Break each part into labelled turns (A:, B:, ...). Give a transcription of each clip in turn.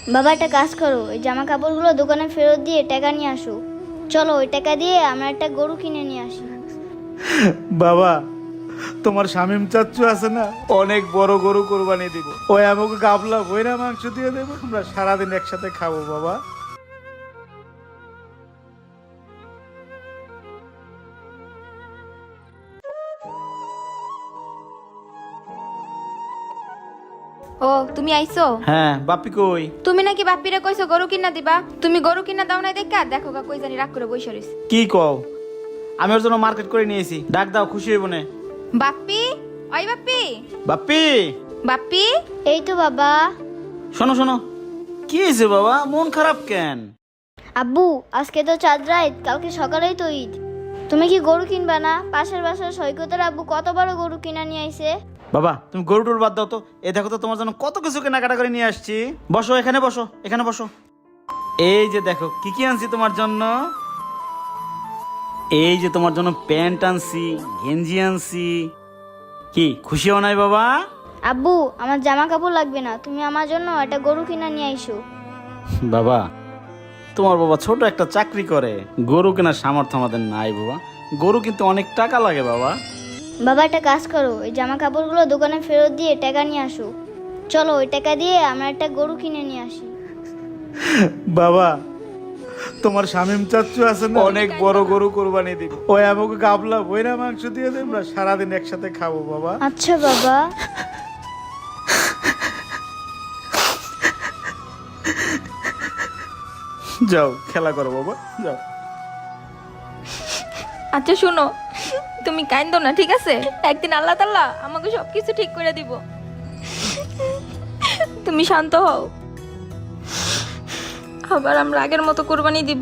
A: বাবা একটা কাজ করো, ওই জামা কাপড়গুলো দোকানে ফেরত দিয়ে টাকা নিয়ে আসো। চলো ওই টাকা দিয়ে আমরা একটা গরু কিনে নিয়ে আসি।
B: বাবা, তোমার শামিম চাচ্চু আছে না, অনেক বড় গরু কোরবানি দিব। ওই আমাকে গাবলা বইরা মাংস দিয়ে দেবো, আমরা সারাদিন একসাথে খাবো বাবা।
C: ও তুমি আইছো?
B: হ্যাঁ, বাপি কই?
C: তুমি নাকি বাপ্পিরে কইছো গরু কিনা দিবা, তুমি গরু কিনা দাও নাই দেখা দেখো গা কই জানি রাগ করে বইসা রইছে।
B: কি কও? আমি ওর জন্য মার্কেট করে নিয়েছি, ডাক দাও, খুশি হইব না।
C: বাপ্পি, ওই বাপ্পি,
B: বাপ্পি,
C: বাপ্পি।
A: এই তো বাবা।
B: শোনো শোনো, কি হয়েছে বাবা, মন খারাপ কেন?
A: আব্বু, আজকে তো চাঁদ রাত, কালকে সকালেই তো ঈদ। তুমি কি গরু কিনবা না? পাশের বাসার সৈকতের আব্বু কত বড় গরু কিনা নিয়ে আইছে।
B: বাবা, তুমি গরু টুর বাদ দাও তো, এ দেখো তো তোমার জন্য কত কিছু কেনাকাটা করে নিয়ে আসছি। বসো, এখানে বসো, এখানে বসো। এই যে দেখো কি কি আনছি তোমার জন্য। এই যে তোমার জন্য প্যান্ট আনছি, গেঞ্জি আনছি। কি খুশি হও নাই বাবা?
A: আব্বু, আমার জামা কাপড় লাগবে না, তুমি আমার জন্য একটা গরু কিনা নিয়ে আইসো।
B: বাবা, তোমার বাবা ছোট একটা চাকরি করে, গরু কেনার সামর্থ্য আমাদের নাই বাবা। গরু কিন্তু অনেক টাকা লাগে বাবা।
A: বাবা একটা কাজ করো, ওই জামা কাপড়গুলো দোকানে ফেরত দিয়ে টাকা নিয়ে আসো। চলো ওই টাকা দিয়ে আমরা একটা গরু কিনে নিয়ে আসি।
B: বাবা, তোমার শামিম চাচ্চু আছে না, অনেক বড় গরু কোরবানি দিব। ওই আমাকে গাবলা বইরা মাংস দিয়ে দেব, আমরা সারাদিন একসাথে খাবো বাবা।
A: আচ্ছা বাবা।
B: যাও খেলা করো বাবা, যাও।
C: আচ্ছা শুনো, তুমি কাইন্দো না ঠিক আছে? একদিন আল্লাহ তাআলা আমাকে সবকিছু ঠিক করে দিব। তুমি শান্ত হও, আবার আমরা আগের মতো কুরবানি দিব।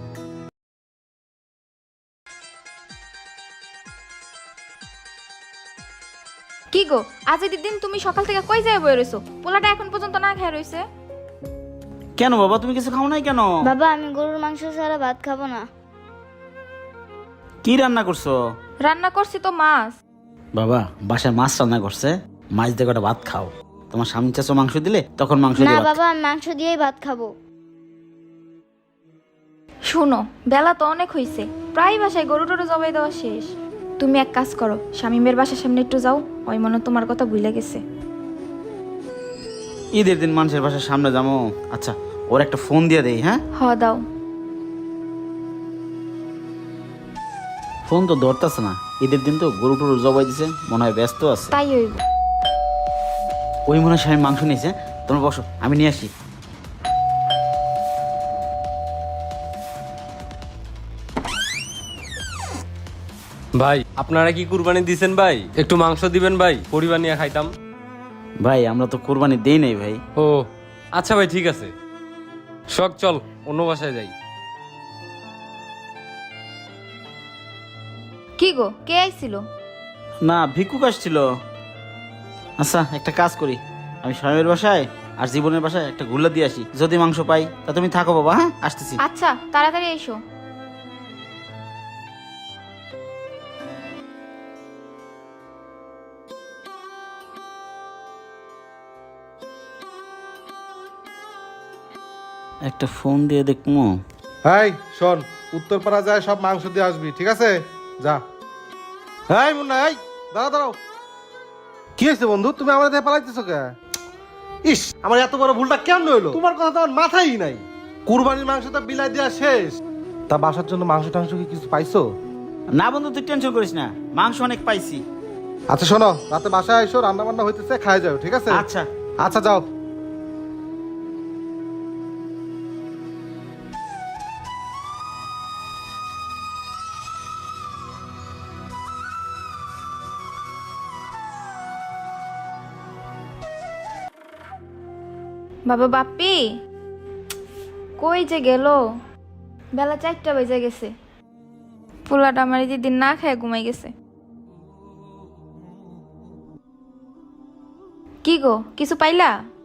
C: কি গো, আজ এই দিন তুমি সকাল থেকে কই যায় বই রইছো? পোলাটা এখন পর্যন্ত না খেয়ে রইছে।
B: কেন বাবা, তুমি কিছু খাও নাই কেন?
A: বাবা, আমি গরুর মাংস ছাড়া ভাত খাবো না।
B: কি রান্না করছো?
C: রান্না করছি তো মাছ।
B: বাবা, বাসায় মাছ রান্না করছে, মাছ দিয়ে কটা ভাত খাও। তোমার স্বামী চাচো মাংস দিলে তখন মাংস
A: না
B: দিয়ে ভাত
A: বাবা, আমি মাংস দিয়েই ভাত খাবো।
C: শুনো, বেলা তো অনেক হইছে, প্রায় বাসায় গরু টরু জবাই দেওয়া শেষ। তুমি এক কাজ করো, শামিমের বাসার সামনে একটু যাও, ওই মনে হয় তোমার কথা ভুলে গেছে।
B: ঈদের দিন মানুষের বাসার সামনে যাবো। আচ্ছা, ওর একটা ফোন দিয়ে দেই। হ্যাঁ,
C: হ দাও।
B: ফোন তো ধরতেছে না। ঈদের দিন তো গরু টরু জবাই দিছে, মনে হয় ব্যস্ত আছে।
C: তাই হইব।
B: ওই মনে হয় স্বামী মাংস নিয়েছে। তোমরা বসো, আমি নিয়ে আসি।
D: ভাই, আপনারা কি কুরবানি দিছেন ভাই? একটু মাংস দিবেন ভাই, পরিবার নিয়ে খাইতাম।
B: ভাই, আমরা তো কোরবানি দেই নাই ভাই।
D: ও আচ্ছা ভাই, ঠিক আছে। শখ চল অন্য বাসায় যাই।
C: কি গো, কে আইছিল?
B: না, ভিক্ষুক আসছিল। আচ্ছা, একটা কাজ করি, আমি স্বামীর বাসায় আর জীবনের বাসায় একটা গুল্লা দিয়ে আসি, যদি মাংস পাই তা তুমি থাকো বাবা। হ্যাঁ, আসতেছি।
C: আচ্ছা তাড়াতাড়ি এসো।
B: একটা ফোন দিয়ে দেখবো।
E: এই শোন, উত্তরপাড়া যায় সব মাংস দিয়ে আসবি, ঠিক আছে? যা। এই মুন্না, এই দাঁড়াও দাঁড়াও। কি হয়েছে বন্ধু, তুমি আমার দিয়ে পালাইতেছো কে? ইস, আমার এত বড় ভুলটা কেন হইলো? তোমার কথা তো আমার মাথায় নাই। কুরবানির মাংস তো বিলাই দেওয়া শেষ। তা বাসার জন্য মাংস টাংস কি কিছু পাইছো?
B: না বন্ধু, তুই টেনশন করিস না, মাংস অনেক পাইছি।
E: আচ্ছা শোনো, রাতে বাসায় এসো, রান্না বান্না হইতেছে, খাই যাও, ঠিক আছে?
B: আচ্ছা।
E: আচ্ছা যাও।
C: বাবা বাপ্পি কই যে গেল? বেলা 4টা বেজে গেছে, পোলাটা আমার এই দিন না খেয়ে ঘুমাই গেছে। কি গো, কিছু পাইলা?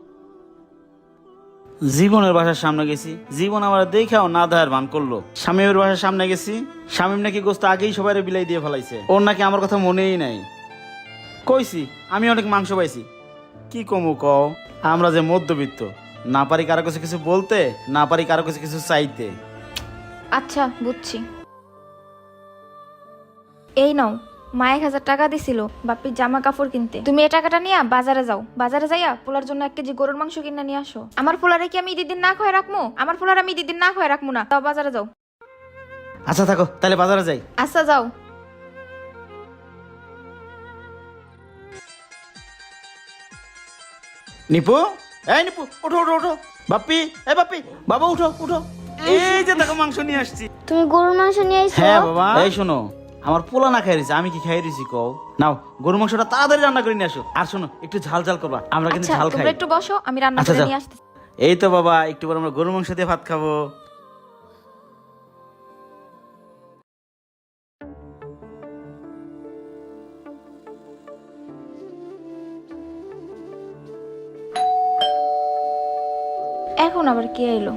B: জীবনের বাসার সামনে গেছি, জীবন আমার দেখাও না দেখার ভান করলো। শামীমের বাসার সামনে গেছি, শামীম নাকি গোস্ত আগেই সবাই বিলাই দিয়ে ফেলাইছে, ওর নাকি আমার কথা মনেই নাই। কইছি আমি অনেক মাংস পাইছি, কি কমু কও? আমরা যে মধ্যবিত্ত, না পারি কারো কাছে কিছু বলতে, না পারি কারো কাছে কিছু চাইতে।
C: আচ্ছা বুঝছি। এই নাও, মা 1,000 টাকা দিছিল বাপির জামা কাপড় কিনতে। তুমি এই টাকাটা নিয়ে বাজারে যাও, বাজারে যাইয়া পোলার জন্য 1 কেজি গরুর মাংস কিনে নিয়ে আসো। আমার পোলারে কি আমি ঈদের দিন না খাওয়াই রাখবো? আমার পোলার আমি ঈদের দিন না খাওয়াই রাখবো না। তাও বাজারে যাও।
B: আচ্ছা থাকো, তাহলে বাজারে যাই।
C: আচ্ছা যাও।
B: নিপু, এই নিপু, উঠো উঠো উঠো। বাপ্পি, এই বাপ্পি, বাবা উঠো উঠো। এই যে দেখো মাংস নিয়ে আসছি।
A: তুমি গরুর মাংস নিয়ে আইছো?
B: হ্যাঁ বাবা। এই শোনো, আমার পোলা না খাই রয়েছে, আমি কি খাই রয়েছি কও? নাও গরু মাংসটা তাড়াতাড়ি রান্না করে নিয়ে আসো। আর শোনো, একটু ঝাল ঝাল করবা, আমরা কিন্তু
C: আচ্ছা
B: ঝাল খাই।
C: তোমরা একটু বসো, আমি রান্না
B: আচ্ছা,
C: করে
B: যাও।
C: নিয়ে আসতেছি।
B: এই তো বাবা, একটু পর আমরা গরু মাংস দিয়ে ভাত খাবো।
C: এখন আবার কে এলো?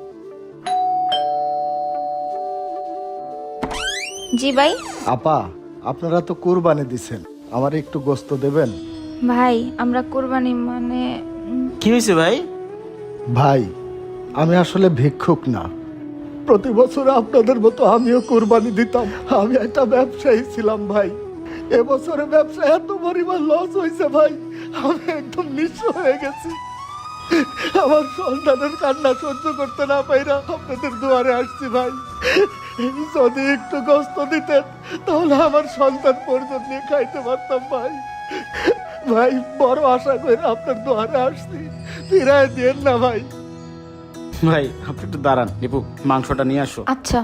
C: জি ভাই।
F: আপা, আপনারা তো কুরবানি দিছেন, আমার একটু গোস্ত দেবেন?
C: ভাই আমরা কুরবানি মানে
B: কি হয়েছে ভাই?
F: ভাই, আমি আসলে ভিক্ষুক না, প্রতি বছর আপনাদের মতো আমিও কুরবানি দিতাম। আমি একটা ব্যবসায়ী ছিলাম ভাই। এবছরে ব্যবসা এত পরিমাণ লস হয়েছে ভাই, আমি একদম নিঃস্ব হয়ে গেছি। আমার সন্তানের কান্না সহ্য করতে না পাইরা আপনাদের দুয়ারে আসছি ভাই। যদি একটু গোস্ত দিতেন তাহলে আমার সন্তান পর্যন্ত নিয়ে খাইতে পারতাম ভাই। ভাই বড় আশা করে আপনার দুয়ারে আসছি, ফিরায় দিয়েন না ভাই।
B: ভাই আপনি একটু দাঁড়ান, নিপু মাংসটা নিয়ে আসো।
C: আচ্ছা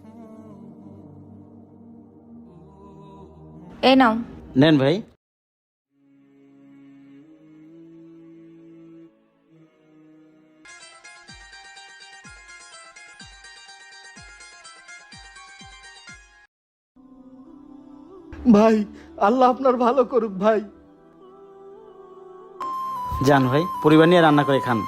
C: এই নাও।
B: নেন ভাই।
F: ভাই আল্লাহ আপনার ভালো করুক ভাই।
B: যান ভাই, পরিবার নিয়ে রান্না করে খান।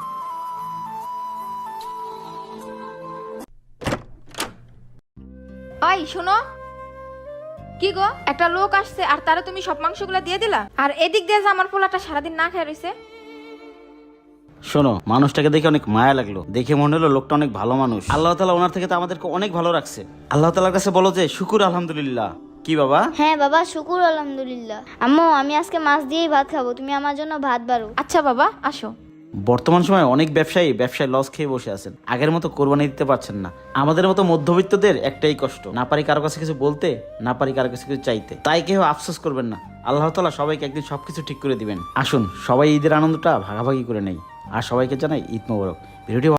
C: ওই শোনো, কি গো, একটা লোক আসছে আর তারা তুমি সব মাংসগুলো দিয়ে দিলা, আর এদিক দিয়ে যে আমার পোলাটা সারাদিন না খেয়ে রইছে।
B: শোনো, মানুষটাকে দেখে অনেক মায়া লাগলো, দেখে মনে হলো লোকটা অনেক ভালো মানুষ। আল্লাহ তাআলা ওনার থেকে তো আমাদেরকে অনেক ভালো রাখছে। আল্লাহ তাআলার কাছে বলো যে শুকুর আলহামদুলিল্লাহ। কি বাবা?
A: হ্যাঁ বাবা, শুকুর আলহামদুলিল্লাহ। আম্মু আমি আজকে মাছ দিয়েই ভাত খাবো, তুমি আমার জন্য ভাত বাড়ো।
C: আচ্ছা বাবা আসো।
B: বর্তমান সময়ে অনেক ব্যবসায়ী লস খেয়ে বসে আছেন, আগের মতো কোরবানি দিতে পারছেন না। আমাদের মতো মধ্যবিত্তদের একটাই কষ্ট, না পারি কারো কাছে কিছু বলতে, না পারি কারো কাছে কিছু চাইতে। তাই কেউ আফসোস করবেন না, আল্লাহ তাআলা সবাইকে একদিন সবকিছু ঠিক করে দিবেন। আসুন সবাই ঈদের আনন্দটা ভাগাভাগি করে নেই, আর সবাইকে জানাই ঈদ মোবারক। ভিডিওটি